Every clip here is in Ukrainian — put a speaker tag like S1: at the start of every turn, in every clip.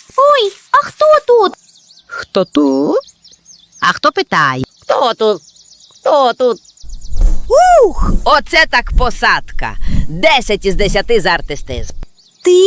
S1: Ой, а хто тут?
S2: Хто тут? А хто питає?
S3: Хто тут? Хто тут?
S2: Ух! Оце так посадка. 10 із 10 за артистизм.
S1: Ти?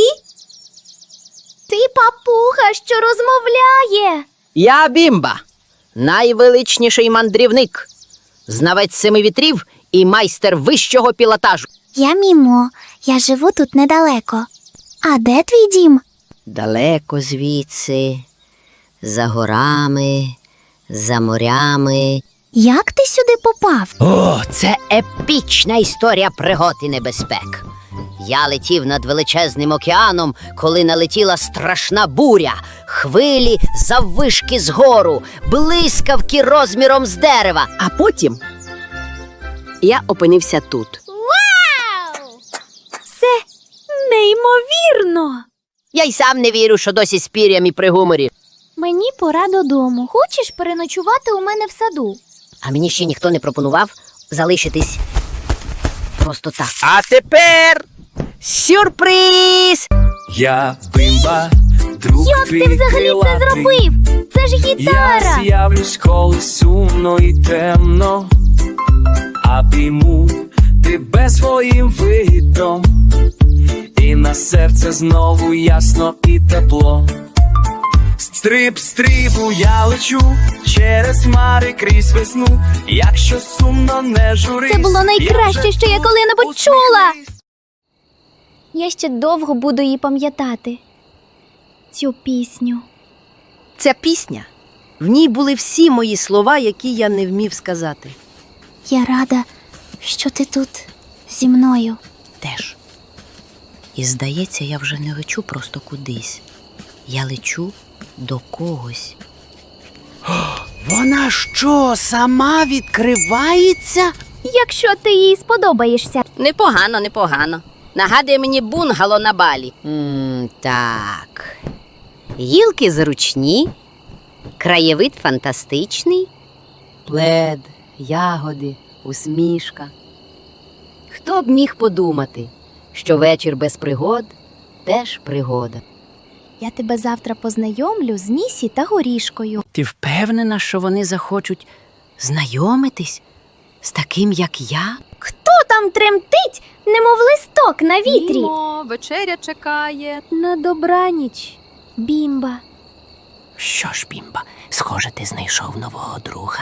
S1: Ти папуга, що розмовляє.
S2: Я Бімба, найвеличніший мандрівник, знавець семи вітрів і майстер вищого пілотажу.
S1: Я Мімо, я живу тут недалеко. А де твій дім?
S3: Далеко звідси, за горами, за морями.
S1: Як ти сюди попав?
S3: О, це епічна історія пригод і небезпек. Я летів над величезним океаном, коли налетіла страшна буря, хвилі заввишки згору, блискавки розміром з дерева.
S2: А потім я опинився тут.
S1: Вау! Це неймовірно!
S3: Я й сам не вірю, що досі з пір'ям і при гуморі.
S1: Мені пора додому. Хочеш переночувати у мене в саду?
S3: А мені ще ніхто не пропонував залишитись просто так.
S2: А тепер сюрприз!
S4: Я Бимба, друг
S1: Як ти
S4: твій
S1: взагалі це
S4: крилатий.
S1: зробив? Це ж
S4: Я
S1: гітара!
S4: з'явлюсь, коли сумно і темно, обійму тебе своїм видом, і на серце знову ясно і тепло. Стрип, стрибу, я лечу через хмари крізь весну. Якщо сумно, не журись.
S1: Це було найкраще, що я коли-небудь чула!
S4: Усміхнись.
S1: Я ще довго буду її пам'ятати. Цю пісню.
S2: Ця пісня, в ній були всі мої слова, які я не вмів сказати.
S1: Я рада, що ти тут зі мною.
S3: Теж. І здається, я вже не лечу просто кудись. Я лечу до когось.
S2: Вона що, сама відкривається?
S1: Якщо ти їй сподобаєшся.
S3: Непогано, непогано. Нагадує мені бунгало на Балі. Так. Гілки зручні, краєвид фантастичний. Плед, ягоди, усмішка. Хто б міг подумати, що вечір без пригод теж пригода.
S1: Я тебе завтра познайомлю з Нісі та Горішкою.
S2: Ти впевнена, що вони захочуть знайомитись з таким, як я?
S1: Хто там тремтить, немов листок на вітрі?
S5: Мімо, вечеря чекає.
S1: На добраніч, Бімба.
S2: Що ж, Бімба, схоже, ти знайшов нового друга.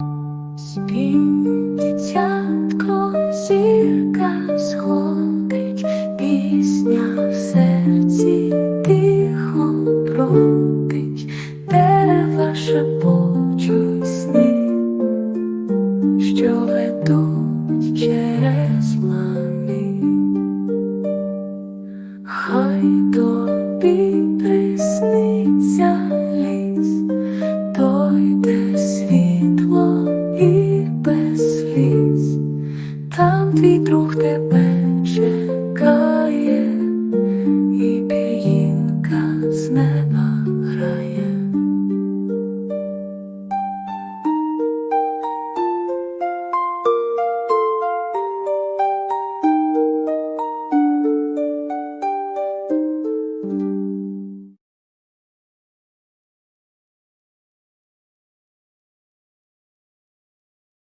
S6: Дитятко, зірка сходить, пісня в серці тихо бродить, дерева шепочуть сни, що ведуть через лани. Хай